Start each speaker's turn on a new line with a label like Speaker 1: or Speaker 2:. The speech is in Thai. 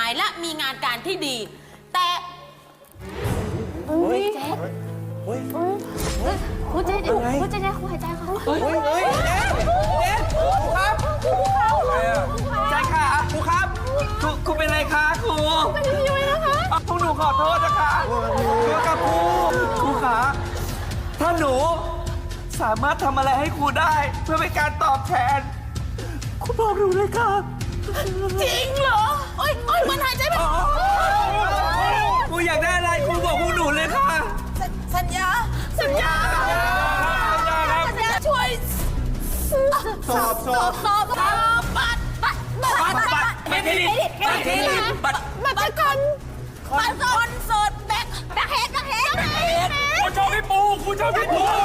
Speaker 1: ายและมีงานการที่ดี แต่
Speaker 2: เจ๊ครูเจ๊ครูหายใจเขา
Speaker 3: เฮ้ยเจ๊ครับใจค่ะครูครับครูเป็นไรคะครูเป็นยังไงนะคะพวกหนูขอโทษนะคะเกี่ยวกับครูขาถ้าหนูสามารถทำอะไรให้ครูได้เพื่อเป็นการตอบแทนครูบอกหนูเลยค่ะ
Speaker 1: จริงเหรอโอ๊ยมันหายใจไม่ออก
Speaker 3: ครูอยากได้อะไรครูบอกพวกหนูเลยค่ะ
Speaker 1: สัญญาช่วย
Speaker 4: สอบ
Speaker 3: บัตรเครดิต
Speaker 1: บัตรคอนเสิร์ตแบ็คเฮด
Speaker 3: ครูชอบพี่ปู